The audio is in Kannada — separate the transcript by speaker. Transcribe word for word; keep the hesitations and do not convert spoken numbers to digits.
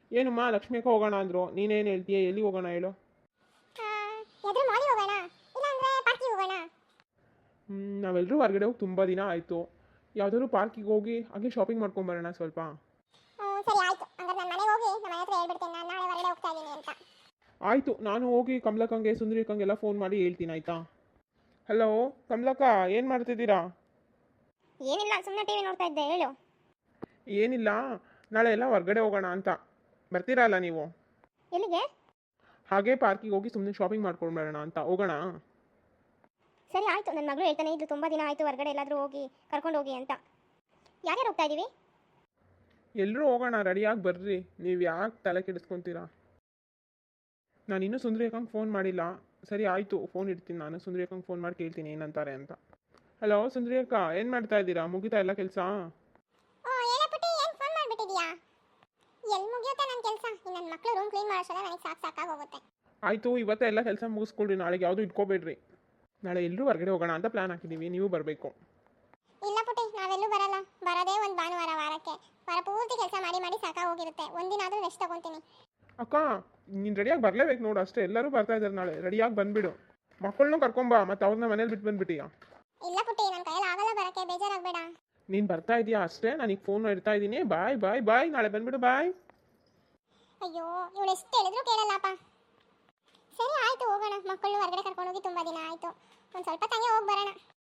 Speaker 1: ಏನಮ್ಮ ಲಕ್ಷ್ಮಿ ಅಕ್ಕ ಹೋಗೋಣ ಅಂದರು, ನೀನೇನು ಹೇಳ್ತೀಯ? ಎಲ್ಲಿ ಹೋಗೋಣ ಹೇಳು?
Speaker 2: ಎದುರು ಮಾಲಿ ಹೋಗೋಣ, ಇಲ್ಲಾಂದ್ರೆ ಪಾರ್ಕಿಗೆ ಹೋಗೋಣ.
Speaker 1: ನಾವೆಲ್ಲರೂ ಹೊರಗಡೆ ಹೋಗಿ ತುಂಬ ದಿನ ಆಯಿತು. ಯಾವುದಾದ್ರು ಪಾರ್ಕಿಗೆ ಹೋಗಿ ಹಾಗೆ ಶಾಪಿಂಗ್ ಮಾಡ್ಕೊಂಬರೋಣ ಸ್ವಲ್ಪ.
Speaker 2: ಹ್ಮ್ ಸರಿ ಆಯ್ತು, ಹಂಗಾರೆ ನಾನು ಮನೆಗೆ ಹೋಗಿ ನಮ್ಮ ಮನೆ ಹತ್ರ ಹೇಳ್ಬಿಡ್ತೇನೆ ನಾನು ನಾಳೆ ಹೊರಗಡೆ ಹೋಗ್ತಾ ಇದ್ದೀನಿ ಅಂತ.
Speaker 1: ಆಯಿತು, ನಾನು ಹೋಗಿ ಕಮಲಕ್ಕಂಗೆ ಸುಂದರಿಕಂಗೆಲ್ಲ ಫೋನ್ ಮಾಡಿ ಹೇಳ್ತೀನಿ, ಆಯಿತಾ? ಹಲೋ ಕಮಲಕ್ಕ, ಏನು ಮಾಡ್ತಿದ್ದೀರಾ?
Speaker 2: ಏನಿಲ್ಲ, ಸುಮ್ಮನೆ ಟಿವಿ ನೋಡ್ತಾ ಇದ್ದೆ, ಹೇಳು.
Speaker 1: ಏನಿಲ್ಲ, ನಾಳೆ ಎಲ್ಲ ಹೊರಗಡೆ ಹೋಗೋಣ ಅಂತ. ಬರ್ತೀರಾ ಅಲ್ಲ ನೀವು?
Speaker 2: ಎಲ್ಲಿಗೆ?
Speaker 1: ಹಾಗೆ ಪಾರ್ಕಿಗೆ ಹೋಗಿ ಸುಮ್ಮನೆ ಶಾಪಿಂಗ್ ಮಾಡ್ಕೊಂಡು ಬರೋಣ ಅಂತ. ಹೋಗೋಣ?
Speaker 2: ಸರಿ ಆಯಿತು, ನನ್ನ ಮಗಳು ಹೇಳ್ತಾನೆ ಇದ್ದು ತುಂಬ ದಿನ ಆಯಿತು ಹೊರಗಡೆ ಎಲ್ಲಾದರೂ ಹೋಗಿ ಕರ್ಕೊಂಡು ಹೋಗಿ ಅಂತ. ಯಾರ್ಯಾರು ಹೋಗ್ತಾ ಇದ್ದೀವಿ?
Speaker 1: ಎಲ್ಲರೂ ಹೋಗೋಣ, ರೆಡಿಯಾಗಿ ಬರ್ರಿ. ನೀವು ಯಾಕೆ ತಲೆ ಕೆಡಿಸ್ಕೊತೀರಾ? ನಾನು ಇನ್ನೂ ಸುಂದರಿಕಂಗೆ ಫೋನ್ ಮಾಡಿಲ್ಲ. ಸರಿ ಆಯಿತು, ಫೋನ್ ಇಡ್ತೀನಿ, ನಾನು ಸುಂದರಿಕಂಗೆ ಫೋನ್ ಮಾಡಿ ಕೇಳ್ತೀನಿ ಏನಂತಾರೆ ಅಂತ. ಹಲೋ ಸುಂದರಿಯಕ್ಕ, ಏನು ಮಾಡ್ತಾ ಇದ್ದೀರಾ? ಮುಗಿತಾ ಎಲ್ಲ ಕೆಲಸ?
Speaker 2: ಓ ಏನೇ ಪುಟ್ಟಿ, ಏನು ಫೋನ್ ಮಾಡಿಬಿಟ್ಟಿದ್ಯಾ? ಎಲ್ಲಿ ಮುಗಿಯುತ್ತೆ ನನ್ನ ಕೆಲಸ? ನನ್ನ ಮಕ್ಕಳು ರೂಮ್ ಕ್ಲೀನ್ ಮಾಡೋಷ್ಟಲ್ಲ ನನಗೆ ಸಾಕು ಸಾಕಾಗಿ ಹೋಗುತ್ತೆ.
Speaker 1: ಆಯಿತು, ಇವತ್ತೇ ಎಲ್ಲ ಕೆಲಸ ಮುಗಿಸ್ಕೊಳ್ರಿ, ನಾಳೆಗೆ ಯಾವುದೂ ಇಟ್ಕೋಬೇಡ್ರಿ. ನಾಳೆ ಎಲ್ಲರೂ ಹೊರಗಡೆ ಹೋಗೋಣ ಅಂತ ಪ್ಲ್ಯಾನ್ ಹಾಕಿದ್ದೀವಿ, ನೀವು ಬರಬೇಕು.
Speaker 2: ಇಲ್ಲ ಪುಟ್ಟಿ, ನಾವೆಲ್ಲೂ ಬರಲ್ಲ. ಬರೋದೇ ಒಂದು ಭಾನುವಾರ ವಾರಕ್ಕೆ. ವಾರ ಪೂರ್ತಿ ಕೆಲಸ ಮಾಡಿ ಮಾಡಿ ಸಾಕಾಗಿ ಹೋಗಿರುತ್ತೆ. ಒಂದಿನ ಆದರೂ ರೆಸ್ಟ್ ತಗೊತೀನಿ.
Speaker 1: ಅಕ್ಕ, ನೀನು ರೆಡಿಯಾಗಿ ಬರಲೇಬೇಕು ನೋಡು, ಅಷ್ಟೇ. ಎಲ್ಲರೂ ಬರ್ತಾ ಇದ್ದಾರೆ ನಾಳೆ, ರೆಡಿಯಾಗಿ ಬಂದುಬಿಡು. ಮಕ್ಕಳನ್ನೂ ಕರ್ಕೊಂಬ, ಮತ್ತು ಅವ್ರನ್ನ ಮನೇಲಿ ಬಿಟ್ಟು ಬಂದುಬಿಟ್ಟಿಯಾ?
Speaker 2: ಇಲ್ಲ ಪುಟ್ಟಿ, ನನ್ನ ಕೈಯಲ್ಲಿ ಆಗಲ್ಲ ಬರೋಕ್ಕೆ, ಬೇಜಾರಾಗಬೇಡ.
Speaker 1: ನೀನು ಬರ್ತಾ ಇದೀಯಾ ಅಷ್ಟೇ, ನನಗೆ ಫೋನ್ ಇಡ್ತಾ ಇದ್ದೀನಿ. ಬಾಯ್ ಬಾಯ್ ಬಾಯ್, ನಾಳೆ ಬಂದುಬಿಡು, ಬಾಯ್.
Speaker 2: ಅಯ್ಯೋ, ಇವಳು ಎಷ್ಟು ಹೇಳಿದ್ರು ಕೇಳಲ್ಲಪ್ಪ. ಸರಿ ಆಯಿತು, ಹೋಗೋಣ. ಮಕ್ಕಳನ್ನು ಹೊರಗಡೆ ಕರ್ಕೊಂಡೋಗಿ ತುಂಬ ದಿನ ಆಯಿತು. ಒಂದು ಸ್ವಲ್ಪ ತಂಗೆ ಹೋಗಿ ಬರೋಣ.